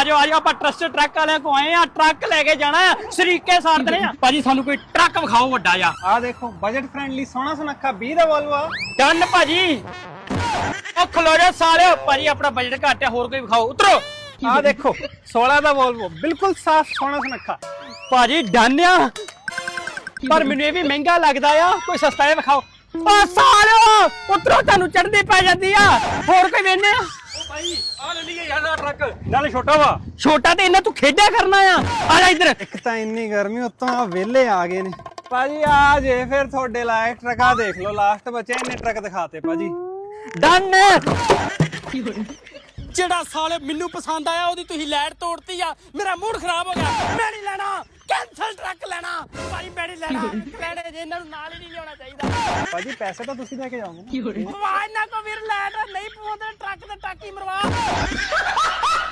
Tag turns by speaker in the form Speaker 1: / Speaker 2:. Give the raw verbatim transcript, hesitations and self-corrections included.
Speaker 1: ਆ ਜਾਓ ਆ ਜਾਓ ਆਪਾਂ ਟਰਸਟ ਟਰੱਕ ਵਾਲਿਆਂ ਕੋ ਆਏ ਆ ਟਰੱਕ ਲੈ ਕੇ ਜਾਣਾ ਆ ਸ਼ਰੀਕੇ ਸਾਰਦੇ ਆ ਭਾਜੀ ਸਾਨੂੰ ਕੋਈ ਟਰੱਕ ਵਿਖਾਓ ਵੱਡਾ ਜਾ
Speaker 2: ਆ ਦੇਖੋ ਬਜਟ ਫ੍ਰੈਂਡਲੀ ਸੋਹਣਾ ਸੁਨੱਖਾ ਵੀਹ ਦਾ ਵੋਲਵੋ ਆ
Speaker 1: ਡਨ ਭਾਜੀ ਉਹ ਖਲੋ ਜਾ ਸਾਲਿਓ ਭਾਜੀ ਆਪਣਾ ਬਜਟ ਘੱਟ ਆ ਹੋਰ ਕੋਈ ਵਿਖਾਓ ਉਤਰੋ
Speaker 2: ਆ ਦੇਖੋ ਸੋਲਾਂ ਦਾ ਵੋਲਵੋ ਬਿਲਕੁਲ ਸਾਫ ਸੋਹਣਾ ਸੁਨੱਖਾ
Speaker 1: ਭਾਜੀ ਡਨ ਆ ਪਰ ਮੈਨੂੰ ਇਹ ਵੀ ਮਹਿੰਗਾ ਲੱਗਦਾ ਆ ਕੋਈ ਸਸਤਾ ਜਿਹਾ ਵਿਖਾਓ ਓ ਸਾਲਿਓ ਉਤਰੋ ਤੁਹਾਨੂੰ ਚੜ੍ਹਦੀ ਪੈ ਜਾਂਦੀ ਆ ਹੋਰ ਕੋਈ ਵੇਨੇ ਆ
Speaker 2: ਭਾਈ ਆ ਲੈ ਲਈਏ ਯਾਰ ਟਰੱਕ ਨਾਲੇ ਛੋਟਾ ਵਾ
Speaker 1: ਛੋਟਾ ਤੇ ਇਹਨਾਂ ਤੂੰ ਖੇਡਿਆ ਕਰਨਾ ਆ ਆ ਜਾ ਇੱਧਰ
Speaker 2: ਇੱਕ ਤਾਂ ਇੰਨੀ ਗਰਮੀ ਉੱਤੋਂ ਆ ਵਿਹਲੇ ਆ ਗਏ ਨੇ ਭਾਜੀ ਆ ਜੇ ਫਿਰ ਤੁਹਾਡੇ ਲਾਇਕ ਟਰੱਕਾ ਦੇਖ ਲਓ ਲਾਸਟ ਬਚੇ ਇੰਨੇ ਟਰੱਕ ਦਿਖਾਤੇ ਭਾਜੀ
Speaker 1: ਡਨ ਜਿਹੜਾ ਸਾਲੇ ਮੈਨੂੰ ਪਸੰਦ ਆਇਆ ਉਹਦੀ ਤੁਸੀਂ ਲਾਈਟ ਤੋੜਤੀ ਆ ਮੇਰਾ ਮੂਡ ਖਰਾਬ ਹੋ ਗਿਆ ਮੈਂ ਨਹੀਂ ਲੈਣਾ ਕੈਂਸਲ ਟਰੱਕ ਲੈਣਾ ਭਾਈ ਮੈਂ ਨਹੀਂ ਲੈਣਾ ਲੈਣੇ ਜੇ ਇਹਨਾਂ ਨੂੰ ਨਾਲ ਹੀ ਨਹੀਂ ਲਿਆਉਣਾ ਚਾਹੀਦਾ
Speaker 2: ਭਾਜੀ ਪੈਸੇ ਤਾਂ ਤੁਸੀਂ ਲੈ ਕੇ ਜਾਓਗੇ
Speaker 1: ਆਵਾਜ਼ ਨਾ ਕੋ ਵੀਰ ਲਾਈਟ ਨਹੀਂ ਪਵਾਉਂਦੇ ਟਰੱਕ ਤੇ ਟਾਕੀ ਮਰਵਾ